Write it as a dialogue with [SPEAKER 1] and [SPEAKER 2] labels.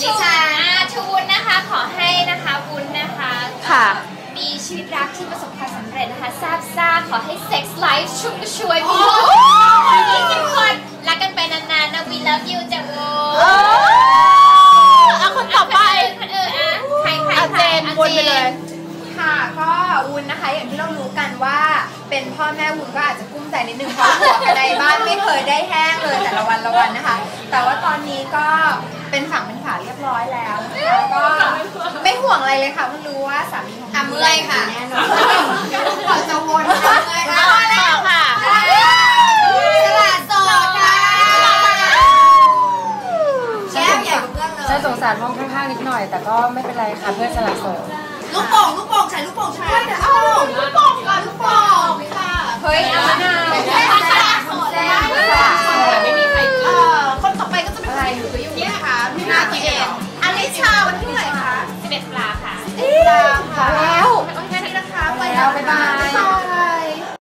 [SPEAKER 1] ดิฉันชวุ้นนะคะขอให้นะคะวุ้นนะคะ
[SPEAKER 2] ค่ะ
[SPEAKER 1] มีชีวิตรักที่ประสบความสำเร็จนะคะทราบซ่าขอให้เซ็กส์ไลฟ์ชุ่มกระชวยมี20 คนรักกันไปนานๆนะ we love you จ้ะวุ้น
[SPEAKER 2] คนต่อไป
[SPEAKER 1] ใคร
[SPEAKER 2] เจนวนไปเลย
[SPEAKER 3] ค่ะก็วุ้นนะคะอย่างที่เรารู้กันว่าเป็นพ่อแม่วุ้นก็อาจจะกุ้มใจนิดนึงเพราะหัวในบ้านไม่เคยได้แห้งเลยแต่ละวันนะคะแต่ว่าตอนนี้ก็เป็นฝั่งเป็นฝาเรียบร้อยแล้วนะคะก็ไม่ห่วงอะไรเลยค่ะมันรู้ว่าสามีของ
[SPEAKER 1] เมื่อยค่ะ
[SPEAKER 3] แน่นอนก่อนจะวนเลย
[SPEAKER 2] ค่ะค่ะ
[SPEAKER 1] สละโสดค่ะแก้วใหญ่กว่าเพื่อนเลย
[SPEAKER 4] ฉันสงสารห้องข้างๆนิดหน่อยแต่ก็ไม่เป็นไรค่ะเพื่อนสละโสด
[SPEAKER 1] ลูกโป่งใส่ลูกโป่งใช่เดี๋ยวเอาลูกโป่งก่อนลูกโป่งค่ะ
[SPEAKER 3] เฮ้ยเอามะนาว
[SPEAKER 1] สละโสดได้
[SPEAKER 3] ไม่มีใครคนต่อไปก็จะเป็นใครอยู่ก็อยู่นะคะพี่นาทีเองอลิชาวันที่เท่าไหร่คะ
[SPEAKER 1] 11 ตุลาค่ะ
[SPEAKER 3] 11 ตุลาค่ะ